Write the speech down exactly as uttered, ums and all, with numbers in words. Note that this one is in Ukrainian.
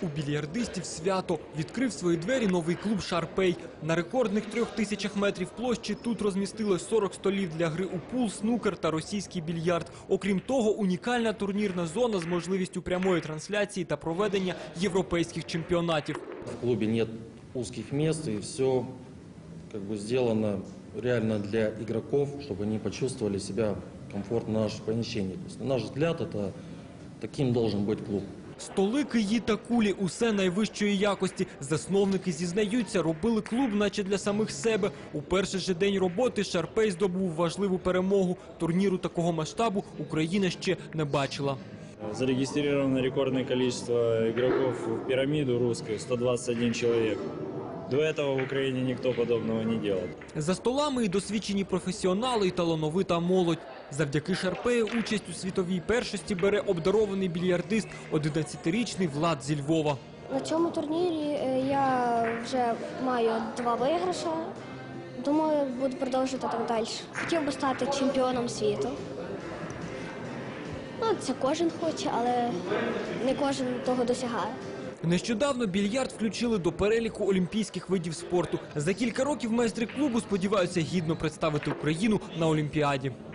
У більярдистів свято. Відкрив свої двері новий клуб «Шарпей». На рекордних трьох тисячах метрів площі тут розмістилось сорок столів для гри у пул, снукер та російський більярд. Окрім того, унікальна турнірна зона з можливістю прямої трансляції та проведення європейських чемпіонатів. В клубе нет узких мест, и все как бы сделано реально для игроков, чтобы они почувствовали себя комфортно в нашем помещении. То есть, на наш взгляд, это таким должен быть клуб. Столи, киї та кулі – усе найвищої якості. Засновники зізнаються, робили клуб наче для самих себе. У перший же день роботи «Шарпей» здобув важливу перемогу. Турніру такого масштабу Україна ще не бачила. Зарегистрировано рекордное количество игроков в пирамиду русскую – сто двадцать один человек. До этого в Украине никто подобного не делал. За столами і досвідчені професіонали, і талановита молодь. Завдяки «Шарпею» участь у світовій першості бере обдарований більярдист – одинадцятирічний Влад зі Львова. На цьому турнірі я вже маю два виграші. Думаю, буду продовжувати так далі. Хотів би стати чемпіоном світу. Ну, це кожен хоче, але не кожен того досягає. Нещодавно більярд включили до переліку олімпійських видів спорту. За кілька років майстри клубу сподіваються гідно представити Україну на Олімпіаді.